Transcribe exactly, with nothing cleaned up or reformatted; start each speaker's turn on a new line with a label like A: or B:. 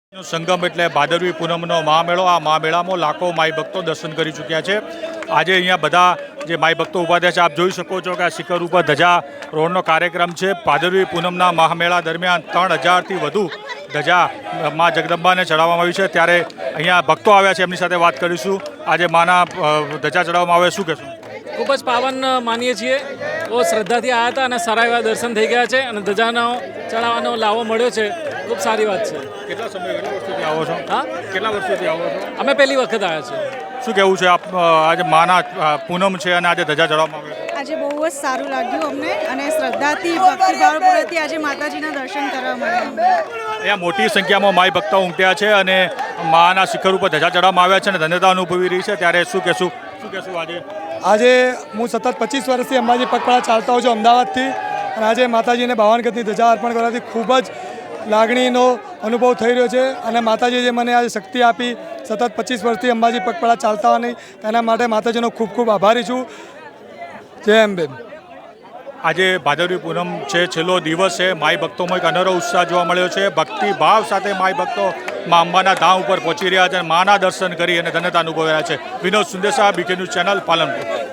A: સંગમ એટલે ભાદરવી પૂનમનો મહામેળો। આ મહામેળામાં લાખો માઈ ભક્તો દર્શન કરી ચૂક્યા છે। આજે અહીંયા બધા જે માઈ ભક્તો ઊભા થયા છે, આપ જોઈ શકો છો કે આ શિખર ઉપર ધજા રોહણનો કાર્યક્રમ છે। ભાદરવી પૂનમના મહામેળા દરમિયાન ત્રણ હજારથી વધુ ધજા મા જગદંબાને ચડાવવામાં આવી છે। ત્યારે અહીંયા ભક્તો આવ્યા છે, એમની સાથે વાત કરીશું। આજે માના ધજા ચડાવવામાં આવે, શું કહેશું?
B: ખૂબ જ પાવન માનીએ છીએ। બહુ શ્રદ્ધાથી આવ્યા હતા અને સારા એવા દર્શન થઈ ગયા છે અને ધજાનો ચડાવવાનો લાવો મળ્યો છે, ખૂબ સારી વાત છે।
A: કેટલા સમય કેટલા વર્ષોથી આવો છો?
B: હા,
A: કેટલા વર્ષોથી આવો છો?
B: અમે પહેલી વખત આવ્યા છીએ।
A: શું કહેવું છે આપ? આજે માના પૂનમ છે અને આજે ધજા ચડાવવામાં આવે છે।
C: આજે બહુ જ સારું લાગ્યું અમને અને શ્રદ્ધાથી ભક્તિભાવપૂર્વકથી આજે માતાજીના દર્શન કરવા મળ્યા।
A: અહીંયા મોટી સંખ્યામાં માઈ ભક્તો ઉમટ્યા છે અને માના શિખર ઉપર ધજા ચડાવવામાં આવ્યા છે અને ધન્યતા અનુભવી રહી છે। ત્યારે શું કહેશું શું કહેશું આજે?
D: આજે હું સતત પચીસ વર્ષથી અંબાજી પગપાળા ચાલતા હોઉં છું અમદાવાદથી, અને આજે માતાજીને બાવન ગજની ધજા અર્પણ કરવાથી ખૂબ જ લાગણીનો અનુભવ થઈ રહ્યો છે। અને માતાજીએ મને આજે શક્તિ આપી સતત પચીસ વર્ષથી અંબાજી પગપાળા ચાલતા હોવાની, તેના માટે માતાજીનો ખૂબ ખૂબ આભારી છું। જય અંબે।
A: આજે ભાદરવી પૂનમ છે, છેલ્લો દિવસ છે। માઈ ભક્તોમાં એક અનેરો ઉત્સાહ જોવા મળ્યો છે। ભક્તિ ભાવ સાથે માઈ ભક્તો મા અંબાના ધામ ઉપર પહોંચી રહ્યા છે અને માના દર્શન કરી અને ધન્યતા અનુભવી રહ્યા છે। Vinod Sundesa, BK news channel, Palanpur.